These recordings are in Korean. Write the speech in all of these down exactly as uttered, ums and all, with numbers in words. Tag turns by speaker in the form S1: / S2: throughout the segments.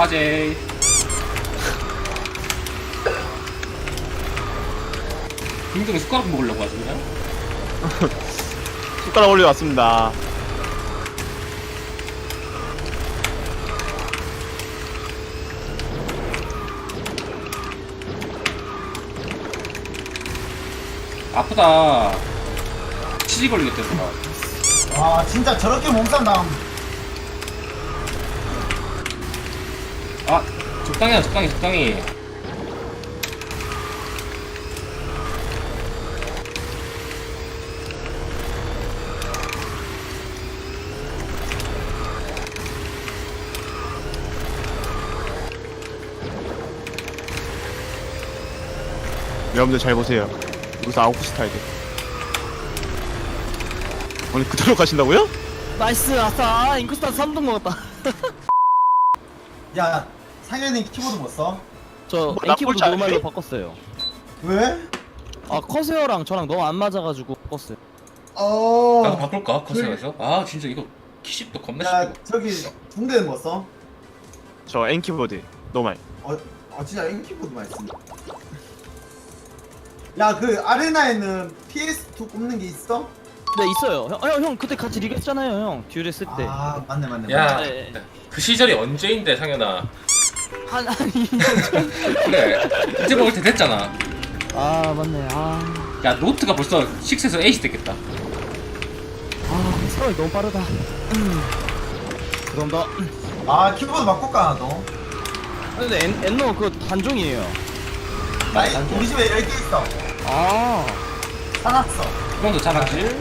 S1: 빠제. 김동이 숟가락 먹으려고 하시나요?
S2: 숟가락 올려왔습니다.
S1: 아프다. 치지 걸리겠다, 누가.
S3: 와 진짜 저렇게 몸싸움 당하면
S1: 아, 적당히 하, 적당히, 적당히.
S2: 여러분들 잘 보세요. 여기서 아웃 스타일들. 아니 그대로 가신다고요?
S4: 나이스 아싸 인코스탄 삼 등 먹었다.
S3: 야 상현이 키보드 못 써?
S4: 저
S2: 뭐, 나
S4: 엔키보드
S2: 꼴찌 안
S4: 노말로
S2: 해?
S4: 바꿨어요.
S3: 왜?
S4: 아 커세어랑 저랑 너무 안 맞아가지고 바꿨어요.
S3: 어...
S1: 나도 바꿀까? 커서에서? 아, 진짜 이거 키십도 겁나
S3: 야
S1: 쉽고.
S3: 저기 중대는 못 써?
S2: 저 N키보드 노말.
S3: 어, 어 진짜 인 키보드만 있습니다. 야 그 아레나에는 피에스 투 꼽는 게 있어?
S4: 네 있어요. 형, 형, 형 그때 같이 리그 했잖아요 형. 듀얼 했을 때.
S3: 아 맞네 맞네
S1: 야,
S3: 맞네.
S4: 네.
S1: 그 시절이 언제인데, 상현아.
S4: 한 아니.
S1: 그래. 이제 먹을 때 됐잖아.
S4: 아 맞네. 아,
S1: 야, 노트가 벌써 육에서 에이스 됐겠다.
S4: 아 상황이 너무 빠르다. 음. 그럼 더.
S3: 아 키보드 바꿀까 너?
S4: 근데 엔, 엔노 그거 단종이에요.
S3: 나 이- 우리 집에 열 개 있어.
S4: 아.
S3: 사놨어.
S1: 그건 더 잘하지.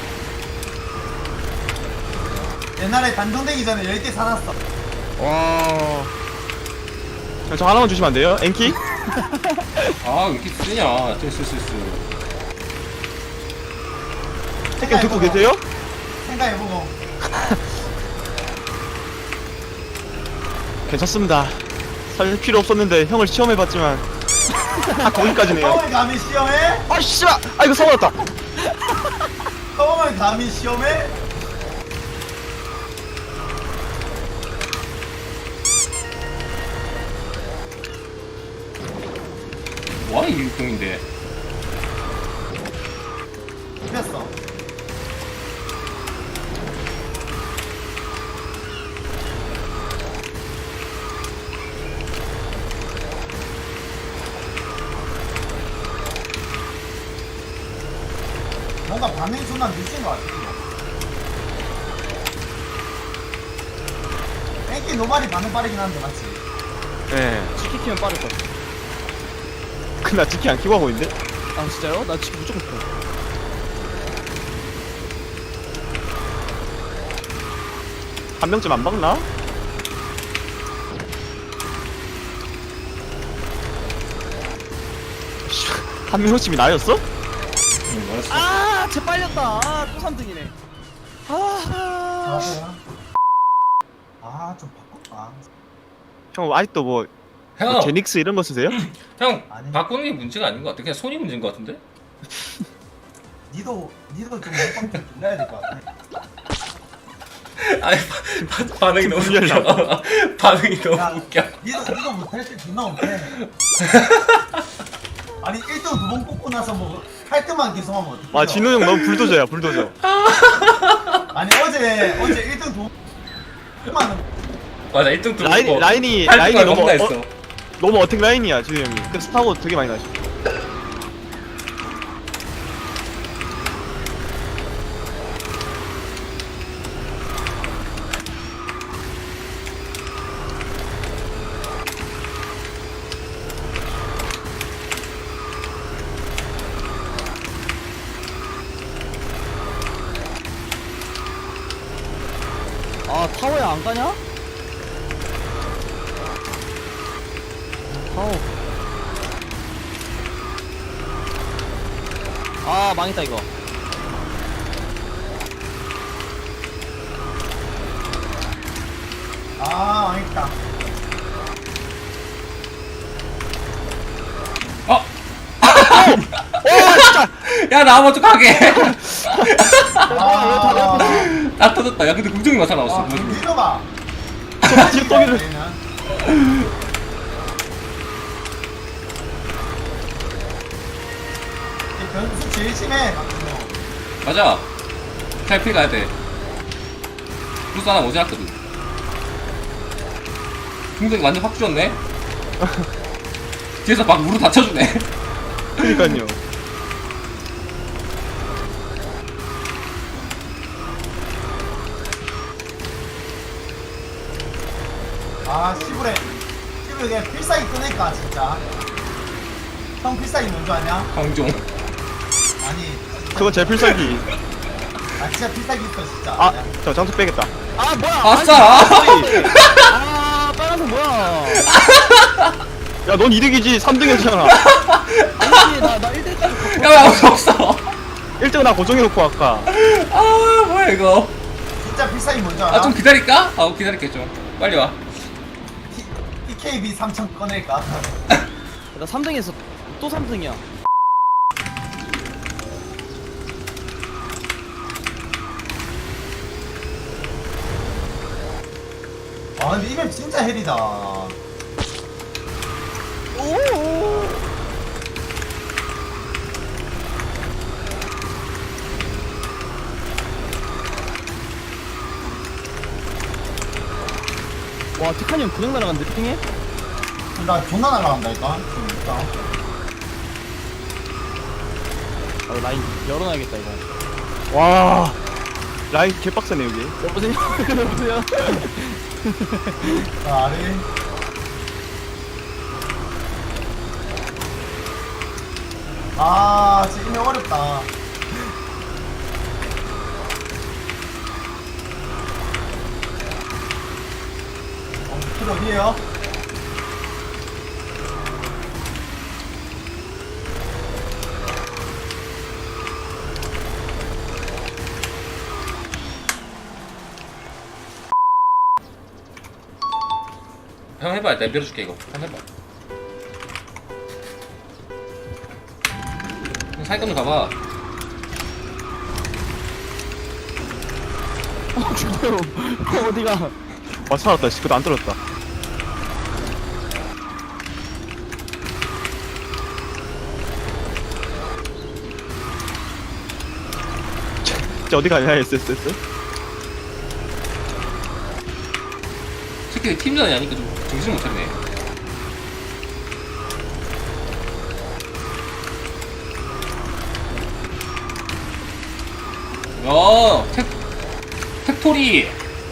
S3: 옛날에 단종되기 전에 열 개 사놨어.
S4: 와.
S2: 저, 저 하나만 주시면 안 돼요? N키?
S1: 아, 왜 이렇게 쓰냐. 쓸쓸 쓸쓸.
S2: 택견 듣고 계세요?
S3: 생각해보고.
S2: 괜찮습니다. 살 필요 없었는데 형을 시험해봤지만 다 거기까지네요.
S3: 처음에 감히 시험해?
S2: 아 씨발! 아 이거 사고났다.
S3: 처음에 감히 시험해?
S1: 뭐야, 이 육동인데.
S3: 됐어. 뭔가 반응이 존나 늦은 것 같아. 땡기 노말이 반응 빠르긴 한데 맞지?
S2: 네.
S4: 치킨 키면 빠를 거.
S2: 근데 나 치킨 안 키고 하고 있는데?
S4: 아 진짜요? 나 치킨 무조건 켜.
S2: 한 명쯤 안 박나? 씨, 한 명쯤이 나였어?
S1: 응, 알았어.
S4: 아, 쟤 빨렸다. 아, 또 삼 등이네. 아,
S3: 맞아요. 아, 좀 바꿀까?
S2: 형 아직도 뭐,
S1: 형,
S2: 뭐 제닉스 이런 거 쓰세요?
S1: 형,
S3: 아니.
S1: 바꾸는 게 문제가 아닌 것 같아. 그냥 손이 문제인 것 같은데?
S3: 니도, 니도 좀 몸빵 좀 줄여야 될 것 같아.
S1: 아니, 바, 바, 반응이 너무 웃겨. 반응이 너무
S3: 야,
S1: 웃겨.
S3: 니도, 니도 못할 때 존나 못해. 아니, 일 등 두 번 뽑고 나서 뭐, 팔 등만 계속 하면 어떡해.
S2: 아 진우 형 너무 불도저야 불도저.
S3: 아니, 어제, 어제 일 등 두 번만
S1: 맞아, 일 등
S2: 라인,
S1: 들어오고
S2: 라인이
S1: 팔
S2: 라인이
S1: 등만
S2: 너무
S1: 겁나
S2: 어,
S1: 했어.
S2: 너무 어택 라인이야 진우 형이. 그래서 스타고 되게 많이 나시.
S4: 아 타워에 안 가냐? 타워. 아 망했다 이거.
S3: 아, 망했다.
S1: 어?
S2: 오 진짜.
S1: 야, 나 먼저 가게.
S3: 아,
S1: 나 터졌다. 야, 근데 국정이 맞아 나왔어.
S3: 아, 좀 밀어봐.
S2: 저 지금 떡이를.
S3: 얘는. 이 변수 제일 심해 박준호.
S1: 맞아. 탈피 가야 돼. 부스 하나 모자랐거든. 중동이 완전 확 줄었네. 뒤에서 막 무릎 받쳐주네.
S2: 그니까요.
S3: 아 시부레 시부레 그냥 필살기 꺼낼까 진짜. 형 필살기 뭔줄 아냐?
S1: 황종.
S3: 아니
S2: 그건 제 필살기.
S3: 아 진짜 필살기 있어 진짜.
S2: 아, 저 장수 빼겠다.
S4: 아 뭐야?
S1: 아싸!
S4: 아 빨간색 뭐야?
S2: 야, 넌 이득이지. 삼 등이었잖아.
S4: 아니지 나나 일 등까지
S1: 야, 왜 아무도 없어?
S2: 일 등 나 고정해놓고 아까.
S1: 아, 뭐야, 이거.
S3: 진짜 필살기 뭔줄 알아?
S1: 아, 좀 기다릴까? 아, 기다릴게, 좀. 빨리 와.
S3: 티케이비 삼천 꺼낼까?
S4: 나 삼 등에서 또 삼 등이야.
S3: 아 근데 이맵 진짜 헬이다.
S4: 오. 와 티카니 형 그냥 날아갔는데 핑해?
S3: 나 존나 날아간다니까. 진짜.
S4: 아 라인 열어놔야겠다 이거.
S2: 와. 라인 개빡세네, 여기.
S4: 여보세요? 여보세요?
S3: 자 아래. 아 진짜 이맵 어렵다. 어, 길 어디에요?
S1: 형 해봐. 내가 밀어줄게, 이거. 형 해봐. 형 사이권 좀 가봐.
S4: 어 죽어요. 어, 어디가?
S2: 와, 살았다. 씨, 그거 안 떨어졌다. 진짜 어디 가냐, 에스에스에스?
S1: 새끼들 팀전이 아니니까 좀 정신을 못 차리네. 야, 텍, 텍토리!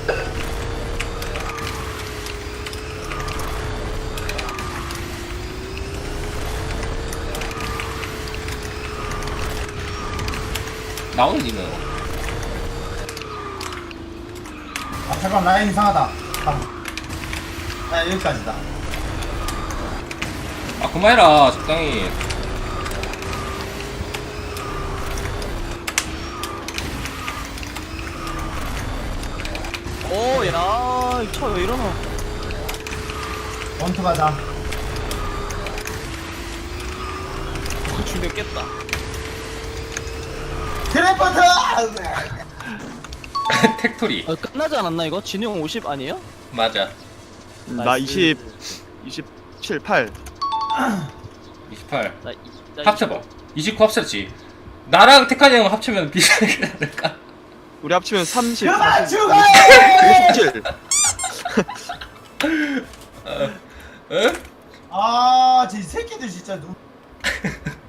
S1: 나오는 니는.
S3: 아 잠깐 라인 이상하다. 잠깐. 아 여기까지다.
S1: 아, 그만해라, 적당히.
S4: 오, 야, 이 차 왜 이러나?
S3: 원투 가자.
S4: 어, 죽였겠다.
S3: 트래퍼트!
S1: 텍토리.
S4: 아, 끝나지 않았나 이거? 진우 형 오십 아니에요?
S1: 맞아.
S2: 음, 나
S4: 나이스.
S2: 이십, 이십칠, 팔.
S1: 이십팔.
S4: 나, 이- 나
S1: 합쳐봐. 이십구 합쳤지. 나랑 테카니 형 합치면 비슷하게 않을까?
S2: 우리 합치면 삼십,
S3: 그만 죽어!
S2: 이십칠.
S1: 응?
S3: 아, 저 새끼들 진짜 눈.